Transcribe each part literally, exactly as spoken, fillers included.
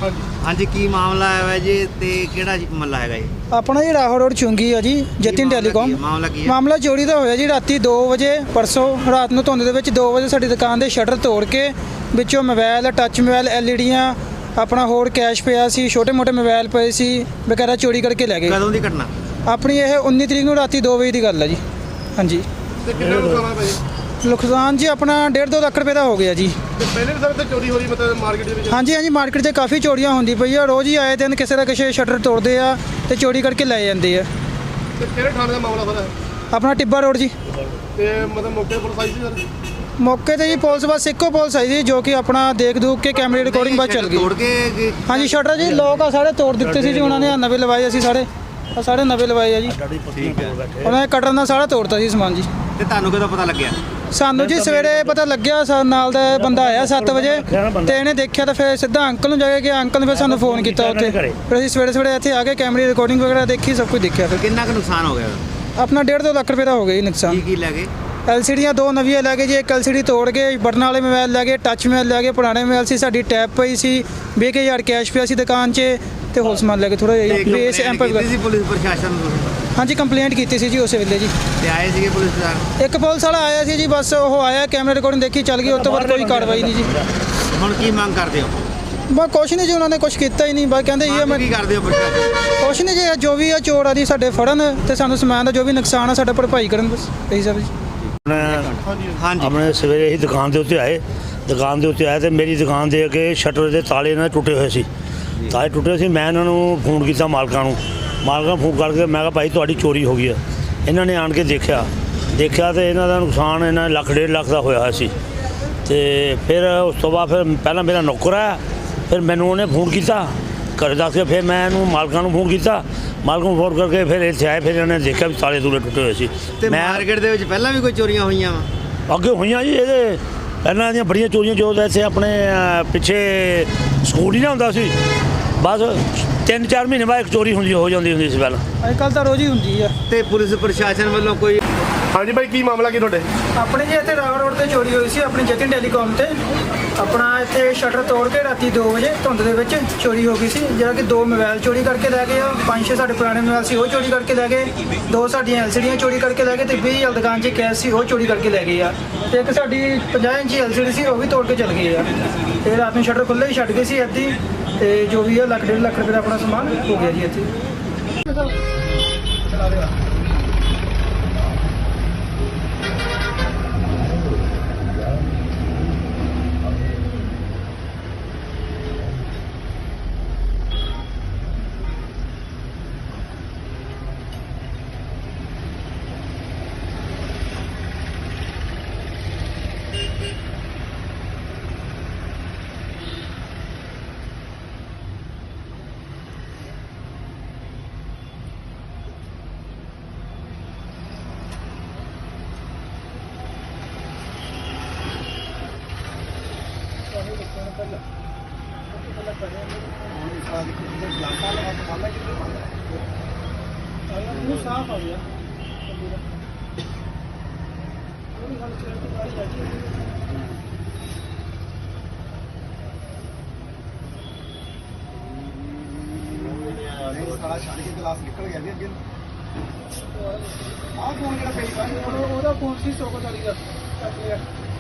हाँ जी की मामला है जी ते केड़ा मल्ला हैगा जी? अपना जी राहो रोड चुंगी है जी जतिन टेलीकॉम। मामला की है? मामला चोरी का होया जी राती दो बजे परसों रात ਨੂੰ ਧੁੰਦ ਦੇ ਵਿੱਚ दो बजे ਸਾਡੀ ਦੁਕਾਨ ਦੇ ਸ਼ਟਰ ਤੋੜ ਕੇ ਵਿੱਚੋਂ ਮੋਬਾਈਲ ਟੱਚ ਮੋਬਾਈਲ ਐਲਈਡੀਆਂ ਆਪਣਾ ਹੋਰ ਕੈਸ਼ ਪਿਆ ਸੀ ਛੋਟੇ ਮੋਟੇ ਮੋਬਾਈਲ ਪਏ ਸੀ ਵਗੈਰਾ ਚੋਰੀ ਕਰਕੇ ਲੈ ਗਏ। ਕਦੋਂ ਦੀ ਘਟਨਾ? ਆਪਣੀ ਇਹ उन्नीस ਤਰੀਕ ਨੂੰ ਰਾਤੀ दो ਵਜੇ ਦੀ ਗੱਲ ਹੈ ਜੀ। ਹਾਂਜੀ ਤੇ ਕਿੰਨਾ ਨੁਕਸਾਨ ਆ ਭਾਈ? ਨੁਕਸਾਨ ਜੀ ਆਪਣਾ डेढ़ दो ਲੱਖ ਰੁਪਏ ਦਾ ਹੋ ਗਿਆ ਜੀ। ਤੇ ਪਹਿਲੇ ਵੀ ਸਭ ਤੇ ਚੋਰੀ ਹੋ ਰਹੀ ਮਤਲਬ ਮਾਰਕੀਟ ਦੇ ਵਿੱਚ? ਹਾਂਜੀ ਹਾਂਜੀ ਮਾਰਕੀਟ 'ਚ ਕਾਫੀ ਚੋਰੀਆਂ ਹੁੰਦੀ ਪਈ ਆ ਰੋਜ਼ ਹੀ ਆਏ ਦਿਨ ਕਿਸੇ ਦਾ ਕਿਸੇ ਸ਼ਟਰ ਤੋੜਦੇ ਆ ਤੇ ਚੋਰੀ ਕਰਕੇ ਲੈ ਜਾਂਦੇ ਆ। ਤੇ ਕਿਹੜੇ ਥਾਣੇ ਦਾ ਮਾਮਲਾ ਸਰ? ਆਪਣਾ ਟਿੱਬਾ ਰੋਡ ਜੀ। ਤੇ ਮਤਲਬ ਮੌਕੇ ਪੁਲਿਸ ਆਈ ਸੀ ਸਰ? ਮੌਕੇ ਤੇ ਜੀ ਪੁਲਿਸ ਬਸ ਇੱਕੋ ਪੁਲਿਸ ਆਈ ਸੀ ਜੋ ਕਿ ਆਪਣਾ ਦੇਖ ਦੂਖ ਕੇ ਕੈਮਰੇ ਰਿਕਾਰਡਿੰਗ ਬਾਅਦ ਚੱਲ ਗਈ। ਤੋੜ ਕੇ ਹਾਂਜੀ ਸ਼ਟਰ ਜੀ ਲੋਕ ਆ ਸਾਰੇ ਤੋੜ ਦਿੱਤੇ ਸੀ ਜੀ ਉਹਨਾਂ ਨੇ ਨਵੇਂ ਲਵਾਏ ਅਸੀਂ ਸਾਰੇ ਆ ਸਾਰੇ ਨਵੇਂ ਲਵਾਏ ਆ ਜੀ। ਠੀਕ ਹੈ ਉਹਨਾਂ ਨੇ ਕਟਰ ਨਾਲ ਸਾਰਾ ਤੋੜਤਾ ਸੀ ਸਮਾਨ ਜੀ। ਤੇ ਤੁਹਾਨੂੰ ਕਦੋਂ ਪਤਾ ਲੱਗਿਆ? ਸਾਨੂੰ ਜੀ ਸਵੇਰੇ ਪਤਾ ਲੱਗਿਆ ਸਾ ਨਾਲ ਦਾ ਬੰਦਾ ਆਇਆ ਸੱਤ ਵਜੇ ਤੇ ਇਹਨੇ ਦੇਖਿਆ ਤਾਂ ਫਿਰ ਸਿੱਧਾ ਅੰਕਲ ਨੂੰ ਜਾ ਕੇ ਗਿਆ ਅੰਕਲ ਨੇ ਫਿਰ ਸਾਨੂੰ ਫੋਨ ਕੀਤਾ ਉੱਥੇ ਫਿਰ ਅਸੀਂ ਸਵੇਰੇ ਸਵੇਰੇ ਇੱਥੇ ਆ ਕੇ ਕੈਮਰੇ ਰਿਕਾਰਡਿੰਗ ਵਗੈਰਾ ਦੇਖੀ ਸਭ ਕੁਝ ਦੇਖਿਆ ਫਿਰ ਕਿੰਨਾ ਕੁ ਨੁਕਸਾਨ ਹੋ ਗਿਆ? ਆਪਣਾ डेढ़ दो ਲੱਖ ਰੁਪਏ ਦਾ ਹੋ ਗਿਆ ਜੀ ਨੁਕਸਾਨ। ਕੀ ਕੀ ਲੈ ਗਏ? ਐਲਸੀਡੀਆਂ ਦੋ ਨਵੀਆਂ ਲੈ ਗਏ ਜੀ ਇੱਕ ਐਲਸੀਡੀ ਤੋੜ ਗਏ ਬਟਨ ਵਾਲੇ ਮੋਬਾਈਲ ਲੈ ਗਏ ਟੱਚ ਮੋਬਾਈਲ ਲੈ ਗਏ ਪੁਰਾਣੇ ਮੋਬਾਈਲ ਸੀ ਸਾਡੀ ਟੈਪ ਪਈ ਸੀ ਵੀਹ ਹਜ਼ਾਰ ਕੈਸ਼ ਪਿਆ ਸੀ ਦੁਕਾਨ 'ਚ ਤੇ ਹੋਰ ਸਮਾਨ ਲੈ ਕੇ ਥੋੜਾ ਜਿਹਾ ਬੇਸ ਐਂਪ ਸੀ ਪੁਲਿਸ ਪ੍ਰਸ਼ਾਸਨ ਨੂੰ? ਹਾਂਜੀ ਕੰਪਲੇਂਟ ਕੀਤੀ ਸੀ ਜੀ ਉਸੇ ਵੇਲੇ ਜੀ। ਤੇ ਆਏ ਸੀਗੇ ਪੁਲਿਸ ਵਾਲੇ? ਇੱਕ ਪੁਲਿਸ ਵਾਲਾ ਆਇਆ ਸੀ ਜੀ ਬਸ ਉਹ ਆਇਆ ਕੈਮਰਾ ਰਿਕਾਰਡਿੰਗ ਦੇਖੀ ਚੱਲ ਗਈ ਉਸ ਤੋਂ ਬਾਅਦ ਕੋਈ ਕਾਰਵਾਈ ਨਹੀਂ ਜੀ। ਹੁਣ ਕੀ ਮੰਗ ਕਰਦੇ ਹੋ? ਬਸ ਕੁਛ ਨਹੀਂ ਜੀ ਉਹਨਾਂ ਨੇ ਕੁਛ ਕੀਤਾ ਹੀ ਨਹੀਂ ਬਸ ਕਹਿੰਦੇ ਇਹ ਮੈਂ ਕੀ ਕਰਦੇ ਹੋ ਪ੍ਰਸ਼ਾਸਨ? ਕੁਛ ਨਹੀਂ ਜੀ ਜੋ ਵੀ ਆ ਚੋਰ ਆ ਜੀ ਸਾਡੇ ਫੜਨ ਤੇ ਸਾਨੂੰ ਸਮਾਨ ਦਾ ਜੋ ਵੀ ਨੁਕਸਾਨ ਆ ਸਾਡਾ ਭਰਪਾਈ ਕਰਨ ਬਸ ਇਹੀ ਸਭ ਜੀ। ਹਾਂਜੀ ਆਪਣੇ ਸਵੇਰੇ ਹੀ ਦੁਕਾਨ ਦੇ ਉੱਤੇ ਆਏ ਦੁਕਾਨ ਦੇ ਉੱਤੇ ਆਏ ਤੇ ਮੇਰੀ ਦੁਕਾਨ ਦੇ ਅੱਗੇ ਸ਼ਟਰ ਦੇ ਤਾਲੇ ਇਹਨਾਂ ਦੇ ਟੁੱਟੇ ਹੋਏ ਸੀ ਤਾਲੇ ਟੁੱਟੇ ਸੀ ਮੈਂ ਇਹਨਾਂ ਨੂੰ ਫੋਨ ਕੀਤਾ ਮਾਲਕਾਂ ਨੂੰ ਮਾਲਕਾਂ ਫੋਨ ਕਰਕੇ ਮੈਂ ਕਿਹਾ ਭਾਈ ਤੁਹਾਡੀ ਚੋਰੀ ਹੋ ਗਈ ਆ ਇਹਨਾਂ ਨੇ ਆਣ ਕੇ ਦੇਖਿਆ ਦੇਖਿਆ ਤੇ ਇਹਨਾਂ ਦਾ ਨੁਕਸਾਨ ਇਹਨਾਂ ਲੱਖ ਡੇਢ ਲੱਖ ਦਾ ਹੋਇਆ ਸੀ ਤੇ ਫਿਰ ਉਸ ਤੋਂ ਬਾਅਦ ਫਿਰ ਪਹਿਲਾਂ ਮੇਰਾ ਨੌਕਰ ਆਇਆ ਫਿਰ ਮੈਨੂੰ ਉਹਨੇ ਫੋਨ ਕੀਤਾ ਘਰ ਦੱਸ ਕੇ ਫਿਰ ਮੈਂ ਇਹਨੂੰ ਮਾਲਕਾਂ ਨੂੰ ਫੋਨ ਕੀਤਾ ਮਾਲਕ ਨੂੰ ਫੋਨ ਕਰਕੇ ਫਿਰ ਇੱਥੇ ਆਏ ਫਿਰ ਇਹਨਾਂ ਨੇ ਦੇਖਿਆ ਵੀ ਤਾਲੇ ਤੂਲੇ ਟੁੱਟੇ ਹੋਏ ਸੀ। ਤੇ ਮਾਰਕੀਟ ਦੇ ਵਿੱਚ ਪਹਿਲਾਂ ਵੀ ਕੋਈ ਚੋਰੀਆਂ ਹੋਈਆਂ ਵਾ? ਅੱਗੇ ਹੋਈਆਂ ਜੀ ਇਹਦੇ ਪਹਿਲਾਂ ਦੀਆਂ ਬੜੀਆਂ ਚੋਰੀਆਂ ਜੋ ਇੱਥੇ ਆਪਣੇ ਪਿੱਛੇ ਸਕੂਲ ਹੀ ਨਾ ਹੁੰਦਾ ਸੀ ਬਸ ਤਿੰਨ ਚਾਰ ਮਹੀਨੇ ਬਾਅਦ ਇੱਕ ਚੋਰੀ ਹੁੰਦੀ ਹੋ ਜਾਂਦੀ ਹੁੰਦੀ ਸੀ ਪਹਿਲਾਂ ਅੱਜ ਕੱਲ੍ਹ ਤਾਂ ਰੋਜ਼ ਹੀ ਹੁੰਦੀ ਆ। ਤੇ ਪੁਲਿਸ ਪ੍ਰਸ਼ਾਸਨ ਵੱਲੋਂ ਕੋਈ? ਹਾਂਜੀ ਭਾਈ ਕੀ ਮਾਮਲਾ ਕੀ ਤੁਹਾਡੇ? ਆਪਣੇ ਜੀ ਇੱਥੇ ਰਾਵ ਰੋਡ ਤੇ ਚੋਰੀ ਹੋਈ ਸੀ ਆਪਣੀ ਜਤਿਨ ਟੈਲੀਕਾਮ ਤੇ ਆਪਣਾ ਇੱਥੇ ਸ਼ਟਰ ਤੋੜ ਕੇ ਰਾਤੀ ਦੋ ਵਜੇ ਧੁੰਦ ਦੇ ਵਿੱਚ ਚੋਰੀ ਹੋ ਗਈ ਸੀ ਜਿਹੜਾ ਕਿ ਦੋ ਮੋਬਾਈਲ ਚੋਰੀ ਕਰਕੇ ਲੈ ਗਏ ਆ ਪੰਜ ਛੇ ਸਾਡੇ ਪੁਰਾਣੇ ਮੋਬਾਈਲ ਸੀ ਉਹ ਚੋਰੀ ਕਰਕੇ ਲੈ ਗਏ ਦੋ ਸਾਡੀਆਂ ਐਲਸੀਡੀਆਂ ਚੋਰੀ ਕਰਕੇ ਲੈ ਗਏ ਤੇ ਵੀਹ ਹਜ਼ਾਰ ਦੁਕਾਨ 'ਚ ਕੈਸ਼ ਸੀ ਉਹ ਚੋਰੀ ਕਰਕੇ ਲੈ ਗਏ ਆ ਤੇ ਇੱਕ ਸਾਡੀ ਪੰਜਾਹ ਇੰਚੀ ਐਲਸੀਡੀ ਸੀ ਉਹ ਵੀ ਤੋੜ ਕੇ ਚਲ ਗਏ ਆ ਤੇ ਰਾਤ ਨੂੰ ਸ਼ਟਰ ਖੁੱਲ੍ਹੇ ਹੀ ਛੱਡ ਗਏ ਸੀ ਅੱਧੀ ਤੇ ਜੋ ਵੀ ਆ ਲੱਖ ਡੇਢ ਲੱਖ ਰੁਪਏ ਦਾ ਆਪਣਾ ਸਮਾਨ ਹੋ ਗਿਆ ਜੀ ਇੱਥੇ। साफ आ गया सारा छड़ के गिलास निकल गया अगे आ फोन केड़ा पई ओदा फोन सी सौ चाली का चक लिया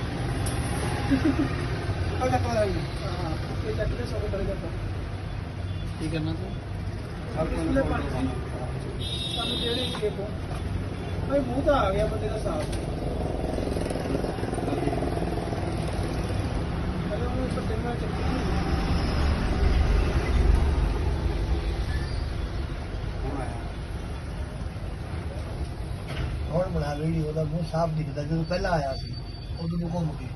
आ चक ला हां ये चक ले सौ चाली का की करना तो डिस्प्ले पानी ਸਾਨੂੰ ਜਿਹੜੇ ਹੀ ਦੇਖੋ ਭਾਈ ਮੂੰਹ ਤਾਂ ਆ ਗਿਆ ਬੰਦੇ ਦਾ ਸਾਫ ਅਰੇ ਉਹ ਸੱਤੇ ਨਾਲ ਚੱਕੀ ਹੁਣ ਬਣਾ ਵੀਡੀਓ ਦਾ ਮੂੰਹ ਸਾਫ ਦਿਖਦਾ ਜਦੋਂ ਪਹਿਲਾਂ ਆਇਆ ਸੀ ਉਦੋਂ ਨੂੰ ਘੁੰਮ ਕੇ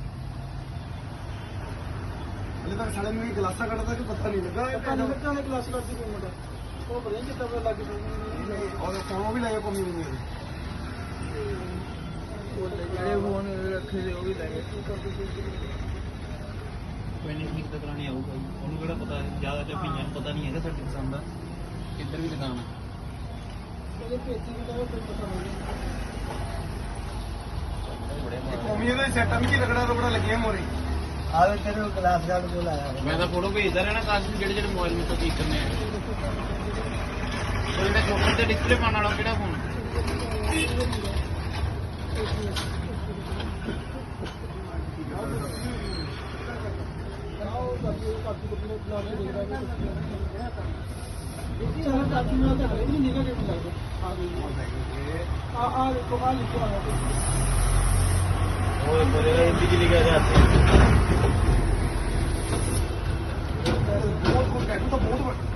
ਹਲੇ ਤੱਕ ਸਾਡੇ ਨੂੰ ਗਲਾਸਾ ਕੱਢਦਾ ਕਿ ਪਤਾ ਨਹੀਂ ਲੱਗਾ ਪਤਾ ਨਹੀਂ ਲੱਗਾ ਉਹਨੇ ਗਲਾਸ ਕੱਢਦੀ ਕੋਈ ਮੁੰਡਾ ਉਹ ਬੜੇ ਜਿੱਦਾਂ ਪਤਾ ਲੱਗ ਗਈ और फोन भी लगे कमी नहीं ਜਿਹੜੇ ਫੋਨ ਰੱਖੇ ਦੇ ਉਹ ਵੀ ਲੈ ਗਏ ਕੋਈ ਨਹੀਂ ਠੀਕ ਤਾਂ ਕਰਾਣੀ ਆਊਗਾ ਉਹਨੂੰ ਕਿਹੜਾ ਪਤਾ ਜ਼ਿਆਦਾ ਚੱਪੀਆਂ ਨੂੰ ਪਤਾ ਨਹੀਂ ਹੈਗਾ ਸਾਡੀ ਪਸੰਦ ਦਾ ਕਿੱਧਰ ਵੀ ਦੁਕਾਨ ਹੈ ਉਹਦੇ ਪੇਚੀ ਵੀ ਤਾਂ ਕੋਈ ਪਤਾ ਨਹੀਂ कमी है सेट में की रगड़ा रगड़ा लगे मोरे ਆਵੇ ਤੇਰੇ ਗਲਾਸ ਗਾਰਡ ਕੋਲ ਆਇਆ ਹੋਇਆ। ਮੈਂ ਤਾਂ ਫੋਟੋ ਭੇਜਦਾ ਰਹਿਣਾ ਕਾਸ਼ ਨੂੰ ਜਿਹੜੇ ਜਿਹੜੇ ਮੋਬਾਈਲ ਮੇਥੋਂ ਠੀਕ ਕਰਨੇ ਆ ਉਹ ਜਿਹੜਾ ਚੋਕਰ ਤੇ ਡਿਸਪਲੇ ਪਾਉਣ ਵਾਲਾ ਕਿਹੜਾ ਫੋਨ ਉਹ ਬੋਲੇ ਹਿੰਦੀ ਚ ਲਿਖਿਆ ਹੈ ਬਹੁਤ ਬਹੁਤ ਟੈਟੂ ਤਾਂ ਬਹੁਤ ਵੱਡਾ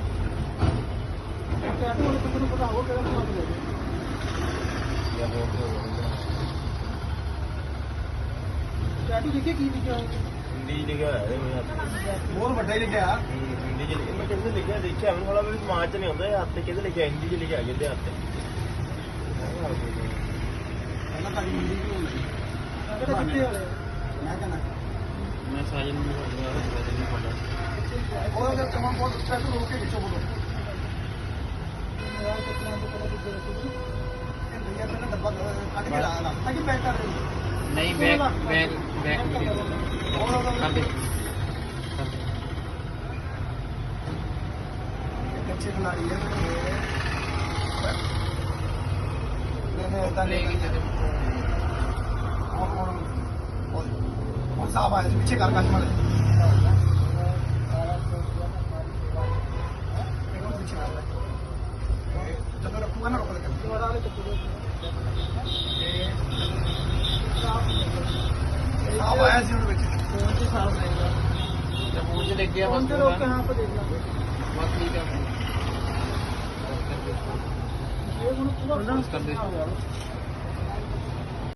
ਟੈਟੂ ਵਾਲੇ ਬੰਦੇ ਨੂੰ ਪਤਾ ਹੋਊਗਾ ਕਿਹੜਾ ਨਾਮ ਦੇ ਟੈਟੂ ਦੇਖੇ ਕੀ ਲਿਖਿਆ ਹੋਇਆ ਹਿੰਦੀ ਚ ਲਿਖਿਆ ਹੈ ਬਹੁਤ ਵੱਡਾ ਹੀ ਲਿਖਿਆ ਹਿੰਦੀ ਚ ਲਿਖਿਆ ਮੈਂ ਕਿਹਦੇ ਲਿਖਿਆ ਦੇਖਿਆ ਮੈਨੂੰ ਵਾਲਾ ਵੀ ਦਿਮਾਗ ਚ ਨਹੀਂ ਆਉਂਦਾ ਇਹ ਹੱਥ ਤੇ ਕਿਹਦੇ ਲਿਖਿਆ ਹਿੰਦੀ ਚ ਲਿਖਿਆ ਕਿਹਦੇ ਹੱਥ ਤੇ ਪਹਿਲਾਂ ਤਾਂ ਹਿੰਦੀ ਵੀ ਹੁੰਦੀ ਕਿਹੜਾ ਚਿੱਟੇ ਵਾਲੇ ਮੈਂ ਕਹਿੰਦਾ ਮੈਂ ਸਾਜਨ ਨੂੰ ਬੋਲਦਾ ਨਹੀਂ ਪਤਾ ਉਹਦਾ ਤਾਂ ਤਮਾਮ ਬਹੁਤ ਟੈਟੂ ਰੋਕ ਕੇ ਵਿੱਚੋਂ ਬੋਲੋ ਯਾਰ ਕਿਤਨਾ ਤੋਂ ਪਤਾ ਕਿੱਥੇ ਰੱਖੀ ਇਹ ਭਈਆ ਪਹਿਲਾਂ ਡੱਬਾ ਕੱਢ ਕੇ ਲਾ ਲਾ ਤਾਂ ਕਿ ਪੈਕ ਕਰ ਦੇ ਨਹੀਂ ਬੈਕ ਬੈਕ ਬੈਕ ਕਰ ਦੇ ਕੱਚੇ ਖਿਲਾੜੀ ਹੈ ਮੈंने ਤਾਂ ਲੈ ਨਹੀਂ ਕੇ ਚੱਲੇ और और और साहब आए थे पीछे कार का मारे जब रखूंगा ना रोक लेकर ਦੁਬਾਰਾ ਵਾਲੇ ਚੱਕੂ साहब आया सी उनके पीछे ਫੋਨ ਤੇ ਸਾਫ ਆਏਗਾ ਤੇ ਫੋਨ ਚ ਲਿਖ ਗਿਆ ਫੋਨ ਬਸ ਤੇ ਰੋਕ ਕੇ ਹਾਂ ਆਪਾਂ ਦੇਖ ਲਾਂਗੇ ਬਸ ਠੀਕ ਹੈ ਇਹ ਹੁਣ ਪੂਰਾ ਕਰ ਦੇ। ਹੋਇਆ